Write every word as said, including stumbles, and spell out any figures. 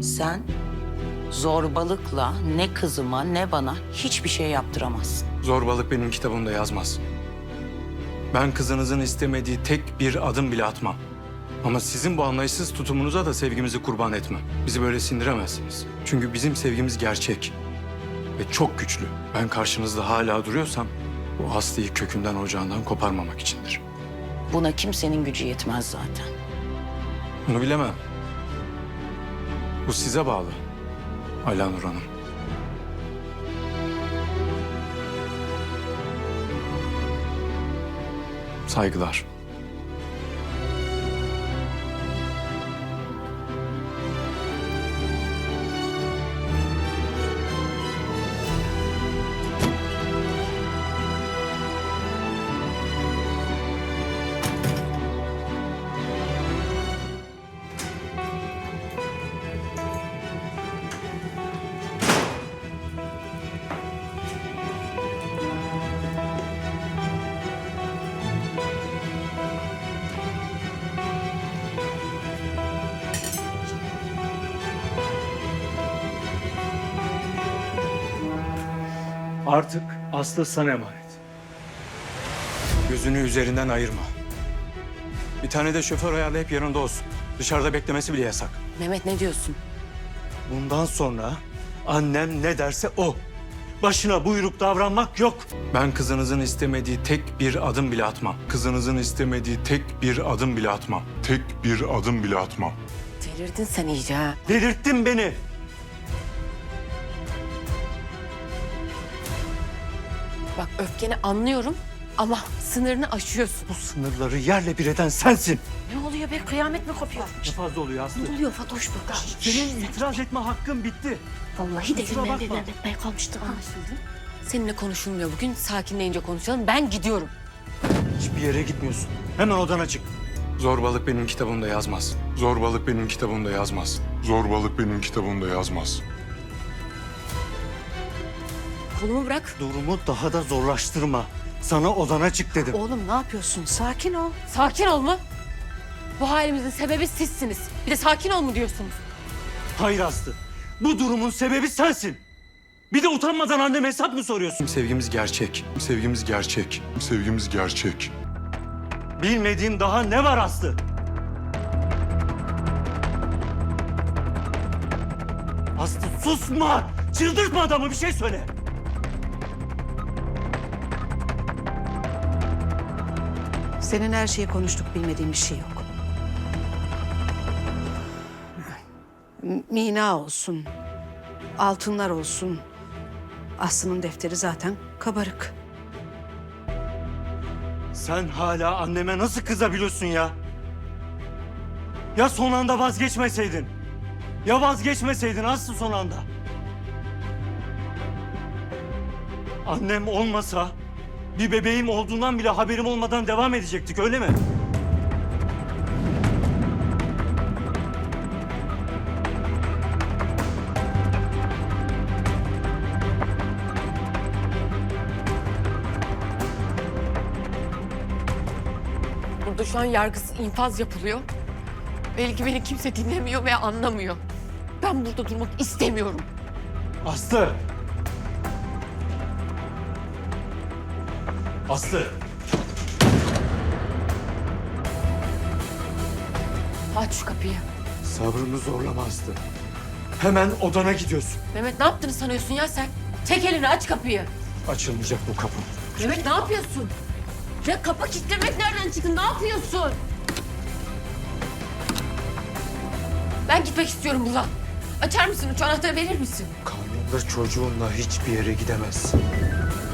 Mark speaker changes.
Speaker 1: Sen zorbalıkla ne kızıma ne bana hiçbir şey yaptıramazsın.
Speaker 2: Zorbalık benim kitabımda yazmaz. Ben kızınızın istemediği tek bir adım bile atmam. Ama sizin bu anlayışsız tutumunuza da sevgimizi kurban etmem. Bizi böyle sindiremezsiniz. Çünkü bizim sevgimiz gerçek ve çok güçlü. Ben karşınızda hala duruyorsam bu Aslı'yı kökünden ocağından koparmamak içindir.
Speaker 1: Buna kimsenin gücü yetmez zaten.
Speaker 2: Bunu bilemem. Bu size bağlı Alanur Hanım. Saygılar.
Speaker 3: Artık Aslı sana emanet.
Speaker 2: Gözünü üzerinden ayırma. Bir tane de şoför ayarlayıp yanında olsun. Dışarıda beklemesi bile yasak.
Speaker 1: Mehmet ne diyorsun?
Speaker 3: Bundan sonra annem ne derse o. Başına buyruk davranmak yok.
Speaker 2: Ben kızınızın istemediği tek bir adım bile atmam. Kızınızın istemediği tek bir adım bile atmam.
Speaker 4: Tek bir adım bile atmam.
Speaker 1: Delirdin sen iyice ha.
Speaker 3: Delirttin beni.
Speaker 5: Bak öfkeni anlıyorum ama sınırını aşıyorsun.
Speaker 3: Bu sınırları yerle bir eden sensin.
Speaker 5: Ne oluyor be? Kıyamet mi kopuyor?
Speaker 3: Ne fazla oluyor Aslı?
Speaker 5: Ne oluyor Fatoş burada?
Speaker 3: Senin itiraz etme hakkın bitti.
Speaker 5: Vallahi
Speaker 3: Kusura
Speaker 5: delirmeye
Speaker 3: bakma.
Speaker 5: etmeye kalmıştı. Anlaşıldı. Seninle konuşulmuyor bugün. Sakinleyince konuşalım. Ben gidiyorum.
Speaker 3: Hiçbir yere gitmiyorsun. Hemen odana çık.
Speaker 2: Zorbalık benim kitabımda yazmaz. Zorbalık benim kitabımda yazmaz.
Speaker 4: Zorbalık benim kitabımda yazmaz.
Speaker 5: Kolumu bırak.
Speaker 3: Durumu daha da zorlaştırma. Sana odana çık dedim.
Speaker 5: Oğlum ne yapıyorsun? Sakin ol. Sakin ol mu? Bu halimizin sebebi sizsiniz. Bir de sakin ol mu diyorsunuz?
Speaker 3: Hayır Aslı. Bu durumun sebebi sensin. Bir de utanmadan anneme hesap mı soruyorsun?
Speaker 2: Sevgimiz gerçek. Sevgimiz gerçek.
Speaker 4: Sevgimiz gerçek.
Speaker 3: Bilmediğim daha ne var Aslı? Aslı susma! Çıldırtma adamı, bir şey söyle.
Speaker 6: Senin her şeyi konuştuk, bilmediğim bir şey yok. M- Mina olsun, altınlar olsun. Aslı'nın defteri zaten kabarık.
Speaker 3: Sen hala anneme nasıl kızabiliyorsun ya? Ya son anda vazgeçmeseydin? Ya vazgeçmeseydin Aslı son anda? Annem olmasa bir bebeğim olduğundan bile haberim olmadan devam edecektik, öyle mi?
Speaker 5: Burada şu an yargısız infaz yapılıyor. Belki beni kimse dinlemiyor ve anlamıyor. Ben burada durmak istemiyorum.
Speaker 3: Aslı! Aslı!
Speaker 5: Aç şu kapıyı.
Speaker 3: Sabrımı zorlama Aslı. Hemen odana gidiyorsun.
Speaker 5: Mehmet ne yaptığını sanıyorsun ya sen? Çek elini, aç kapıyı.
Speaker 3: Açılmayacak bu kapı.
Speaker 5: Mehmet ne yapıyorsun? Ya kapı kilitlemek nereden çıktı? Ne yapıyorsun? Ben gitmek istiyorum buradan. Açar mısın? Şu anahtarı verir misin?
Speaker 3: Karnında çocuğunla hiçbir yere gidemezsin.